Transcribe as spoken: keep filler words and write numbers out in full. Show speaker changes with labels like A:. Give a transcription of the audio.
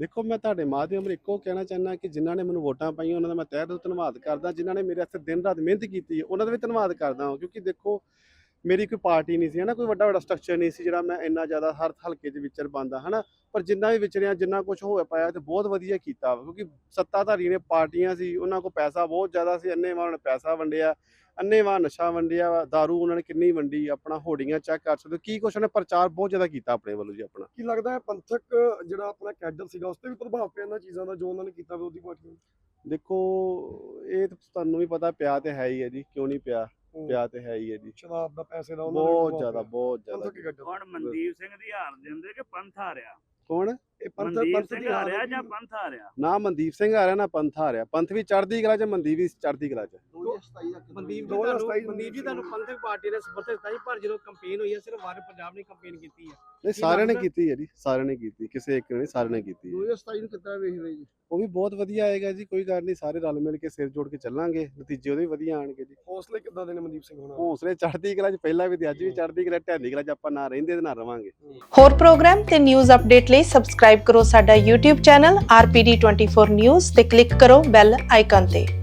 A: ਦੇਖੋ ਮੈਂ ਤੁਹਾਡੇ ਮਾਧਿਅਮ ਰਾਹੀਂ ਇੱਕੋ ਕਹਿਣਾ ਚਾਹੁੰਦਾ ਕਿ ਜਿਨ੍ਹਾਂ ਨੇ ਮੈਨੂੰ ਵੋਟਾਂ ਪਾਈਆਂ ਉਹਨਾਂ ਦਾ ਮੈਂ ਤਹਿ ਦਿਲੋਂ ਧੰਨਵਾਦ ਕਰਦਾ। ਜਿਨ੍ਹਾਂ ਨੇ ਮੇਰੇ ਵਾਸਤੇ ਦਿਨ ਰਾਤ ਮਿਹਨਤ ਕੀਤੀ ਹੈ ਉਹਨਾਂ ਦਾ ਵੀ ਧੰਨਵਾਦ ਕਰਦਾ ਹਾਂ, ਕਿਉਂਕਿ ਦੇਖੋ ਮੇਰੀ ਕੋਈ ਪਾਰਟੀ ਨਹੀਂ ਸੀ ਹੈ ਨਾ, ਕੋਈ ਵੱਡਾ ਵੱਡਾ ਸਟਰਕਚਰ ਨਹੀਂ ਸੀ ਜਿਹੜਾ ਮੈਂ ਇੰਨਾ ਜ਼ਿਆਦਾ ਹਰ ਹਲਕੇ 'ਚ ਵਿਚਰ ਪਾਉਂਦਾ ਹੈ ਨਾ। ਪਰ ਜਿੰਨਾ ਵੀ ਵਿਚਰਿਆ, ਜਿੰਨਾ ਕੁਝ ਹੋ ਪਾਇਆ ਤੇ ਬਹੁਤ ਵਧੀਆ ਕੀਤਾ ਵਾ, ਕਿਉਂਕਿ ਸੱਤਾਧਾਰੀ ਨੇ ਪਾਰਟੀਆਂ ਸੀ, ਉਹਨਾਂ ਕੋਲ ਪੈਸਾ ਬਹੁਤ ਜ਼ਿਆਦਾ ਸੀ, ਅੰਨ੍ਹੇਵਾਹ ਉਹਨਾਂ ਨੇ ਪੈਸਾ ਵੰਡਿਆ, ਅੰਨ੍ਹੇਵਾਹ ਨਸ਼ਾ ਵੰਡਿਆ ਵਾ, ਦਾਰੂ ਉਹਨਾਂ ਨੇ ਕਿੰਨੀ ਵੰਡੀ, ਆਪਣਾ ਹੋਰਡੀਆਂ ਚੈੱਕ ਕਰ ਸਕਦੇ ਹੋ, ਕੀ ਕੁਛ ਉਹਨੇ ਪ੍ਰਚਾਰ ਬਹੁਤ ਜ਼ਿਆਦਾ ਕੀਤਾ ਆਪਣੇ ਵੱਲੋਂ ਜੀ ਆਪਣਾ।
B: ਕੀ ਲੱਗਦਾ ਹੈ ਪੰਥਕ ਜਿਹੜਾ ਆਪਣਾ ਕੈਡਰ ਸੀਗਾ ਉਸ ਤੇ ਵੀ ਪ੍ਰਭਾਵ ਪਿਆ ਇਹਨਾਂ ਚੀਜ਼ਾਂ ਦਾ ਜੋ ਉਹਨਾਂ ਨੇ ਕੀਤਾ ਵਿਰੋਧੀ ਪਾਰਟੀਆਂ ਨੂੰ?
A: ਦੇਖੋ ਇਹ ਤਾਂ ਤੁਹਾਨੂੰ ਵੀ ਪਤਾ ਪਿਆ ਤੇ ਹੈ ਹੀ ਹੈ ਜੀ, ਕਿਉਂ ਨਹੀਂ ਪਿਆ, ਪਿਆ ਤੇ ਹੈ ਹੀ ਹੈ ਜੀ,
B: ਸ਼ਰਾਬ ਦਾ ਪੈਸੇ ਦਾ ਉਹਨਾਂ ਦਾ
A: ਬਹੁਤ
B: ਪ੍ਰਭਾਵ
A: ਜ਼ਿਆਦਾ
B: ਪਿਆ।
A: ਬਹੁਤ ਜ਼ਿਆਦਾ।
B: ਪੰਥਕ ਕੈਡਰ
C: ਹੁਣ ਮਨਦੀਪ ਸਿੰਘ ਦੀ ਹਾਰ ਦੇ ਹੁੰਦੇ ਕਿ ਪੰਥ ਹਾਰਿਆ?
A: ਕੌਣ?
B: ਇਹ ਪੰਥ
C: ਮਨਦੀਪ
B: ਪੰਥ
C: ਸਿੰਘ
B: ਦੀ ਹਾਰ
C: ਹਾਰਿਆ
B: ਹੈ
C: ਜਾਂ ਪੰਥ ਹਾਰਿਆ?
A: ਨਾ ਮਨਦੀਪ ਸਿੰਘ ਆ ਰਿਹਾ ਨਾ ਪੰਥ ਆ ਰਿਹਾ। ਪੰਥ ਵੀ ਚੜ੍ਹਦੀ ਕਲਾ 'ਚ, ਮਨਦੀਪ ਵੀ ਚੜ੍ਹਦੀ ਕਲਾ 'ਚ।
D: ਮਨਦੀਪ ਜੀ
B: ਦੋ ਹਜ਼ਾਰ
D: ਤੁਹਾਨੂੰ
B: ਸਤਾਈ
D: ਮਨਦੀਪ ਜੀ ਤੁਹਾਨੂੰ ਪੰਥਕ ਪਾਰਟੀ ਨੇ ਸਮਰਥਨ ਦਿੱਤਾ ਸੀ, ਪਰ ਜਦੋਂ ਕੰਪੇਨ ਹੋਈ ਹੈ ਸਿਰਫ ਵਾਰ ਪੰਜਾਬ ਨੇ ਕੰਪੇਨ ਕੀਤੀ ਹੈ।
A: ਨਹੀਂ ਸਾਰਿਆਂ ਨੇ ਕੀਤੀ ਹੈ ਜੀ, ਸਾਰਿਆਂ ਨੇ ਕੀਤੀ, ਕਿਸੇ ਇੱਕ ਨੇ ਨਹੀਂ, ਸਾਰਿਆਂ ਨੇ ਕੀਤੀ
B: ਦੋ
A: ਹੈ।
B: ਹਜ਼ਾਰ ਸਤਾਈ ਨੂੰ ਕਿੱਦਾਂ ਵੇਖ ਰਹੇ ਜੀ?
A: ਉਹ ਵੀ ਬਹੁਤ ਵਧੀਆ ਆਏਗਾ ਜੀ, ਕੋਈ ਗੱਲ ਨਹੀਂ, ਸਾਰੇ ਰਲ ਮਿਲ ਕੇ ਸਿਰ ਜੋੜ ਕੇ ਚੱਲਾਂਗੇ, ਨਤੀਜੇ ਉਹਦੇ ਵੀ ਵਧੀਆ ਆਣਗੇ ਜੀ।
B: ਹੌਸਲੇ ਕਿੱਦਾਂ ਦੇ ਨੇ ਮਨਦੀਪ ਸਿੰਘ ਹੋਣਾ?
A: ਹੌਸਲੇ ਚੜ੍ਹਦੀ ਕਲਾ 'ਚ ਪਹਿਲਾਂ ਵੀ ਤੇ ਅੱਜ ਵੀ ਚੜ੍ਹਦੀ ਕਲਾ, ਢਹਿੰਦੀ ਕਲਾ 'ਚ ਆਪਾਂ ਨਾ ਰਹਿੰਦੇ ਤੇ ਨਾ ਰਵਾਂਗੇ।
E: ਹੋਰ ਪ੍ਰੋਗਰਾਮ ਤੇ ਨਿਊਜ਼ ਅਪਡੇਟ ਲਈ ਸਬਸਕ੍ਰਾਈਬ ਕਰੋ ਸਾਡਾ YouTube channel R P D twenty four news ਤੇ ਕਲਿੱਕ ਕਰੋ ਬੈਲ ਆਈਕਨ ਤੇ।